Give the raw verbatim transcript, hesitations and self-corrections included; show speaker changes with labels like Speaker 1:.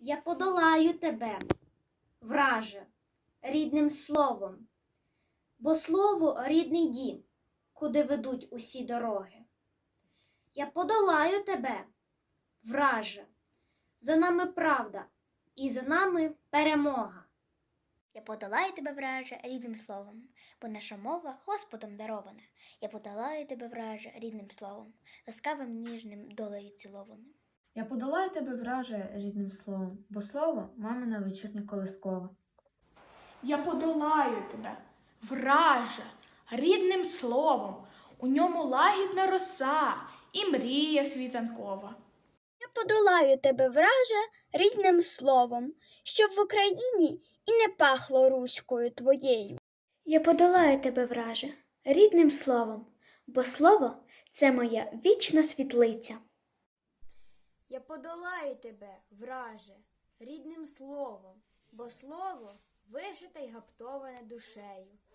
Speaker 1: Я подолаю тебе, враже, рідним словом, бо слово – рідний дім, куди ведуть усі дороги. Я подолаю тебе, враже, за нами правда і за нами перемога.
Speaker 2: Я подолаю тебе, враже, рідним словом, бо наша мова Господом дарована. Я подолаю тебе, враже, рідним словом, ласкавим ніжним долею цілованим.
Speaker 3: Я подолаю тебе, враже, рідним словом, бо слово – мамина вечірня колискова.
Speaker 4: Я подолаю тебе, враже, рідним словом, у ньому лагідна роса і мрія світанкова.
Speaker 5: Я подолаю тебе, враже, рідним словом, щоб в Україні і не пахло руською твоєю.
Speaker 1: Я подолаю тебе, враже, рідним словом, бо слово – це моя вічна світлиця.
Speaker 6: Я подолаю тебе, враже, рідним словом, бо слово вишите й гаптоване душею.